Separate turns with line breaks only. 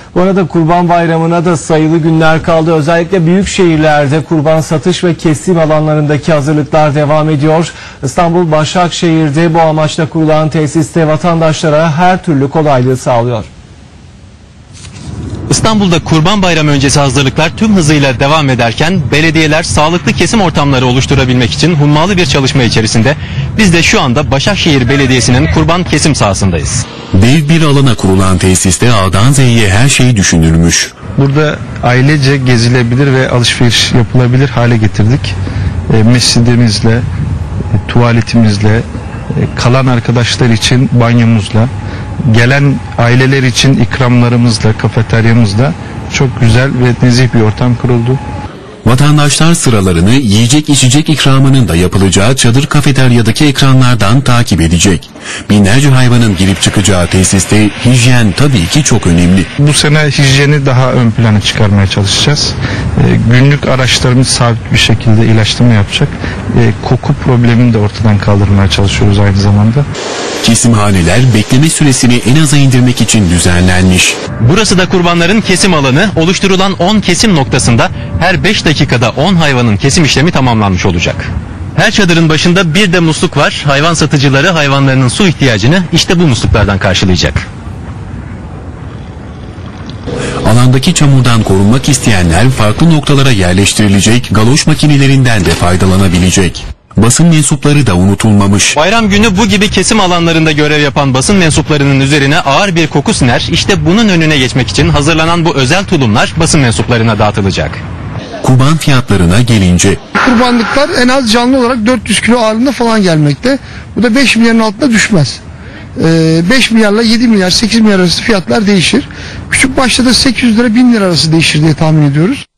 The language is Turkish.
Bu arada Kurban Bayramı'na da sayılı günler kaldı. Özellikle büyük şehirlerde kurban satış ve kesim alanlarındaki hazırlıklar devam ediyor. İstanbul Başakşehir'de bu amaçla kurulan tesiste vatandaşlara her türlü kolaylığı sağlıyor.
İstanbul'da Kurban Bayramı öncesi hazırlıklar tüm hızıyla devam ederken belediyeler sağlıklı kesim ortamları oluşturabilmek için hummalı bir çalışma içerisinde. Biz de şu anda Başakşehir Belediyesi'nin kurban kesim sahasındayız.
Dev bir alana kurulan tesiste A'dan Z'ye her şey düşünülmüş.
Burada ailece gezilebilir ve alışveriş yapılabilir hale getirdik. Mescidimizle, tuvaletimizle, kalan arkadaşlar için banyomuzla, gelen aileler için ikramlarımızla, kafeteryamızla çok güzel ve nezih bir ortam kuruldu.
Vatandaşlar sıralarını yiyecek içecek ikramının da yapılacağı çadır kafeteryadaki ekranlardan takip edecek. Binlerce hayvanın girip çıkacağı tesiste hijyen tabii ki çok önemli.
Bu sene hijyeni daha ön plana çıkarmaya çalışacağız. Günlük araçlarımız sabit bir şekilde ilaçlama yapacak. Koku problemini de ortadan kaldırmaya çalışıyoruz aynı zamanda.
Kesimhaneler bekleme süresini en aza indirmek için düzenlenmiş.
Burası da kurbanların kesim alanı. Oluşturulan 10 kesim noktasında her 5 dakikada 10 hayvanın kesim işlemi tamamlanmış olacak. Her çadırın başında bir de musluk var. Hayvan satıcıları hayvanlarının su ihtiyacını işte bu musluklardan karşılayacak.
Alandaki çamurdan korunmak isteyenler farklı noktalara yerleştirilecek galoş makinelerinden de faydalanabilecek. Basın mensupları da unutulmamış.
Bayram günü bu gibi kesim alanlarında görev yapan basın mensuplarının üzerine ağır bir koku siner. İşte bunun önüne geçmek için hazırlanan bu özel tulumlar basın mensuplarına dağıtılacak.
Kurban fiyatlarına gelince.
Kurbanlıklar en az canlı olarak 400 kilo ağırlığında falan gelmekte. Bu da 5 milyarın altında düşmez. 5 milyarla 7 milyar 8 milyar arası fiyatlar değişir. Küçük başta da 800 lira 1000 lira arası değişir diye tahmin ediyoruz.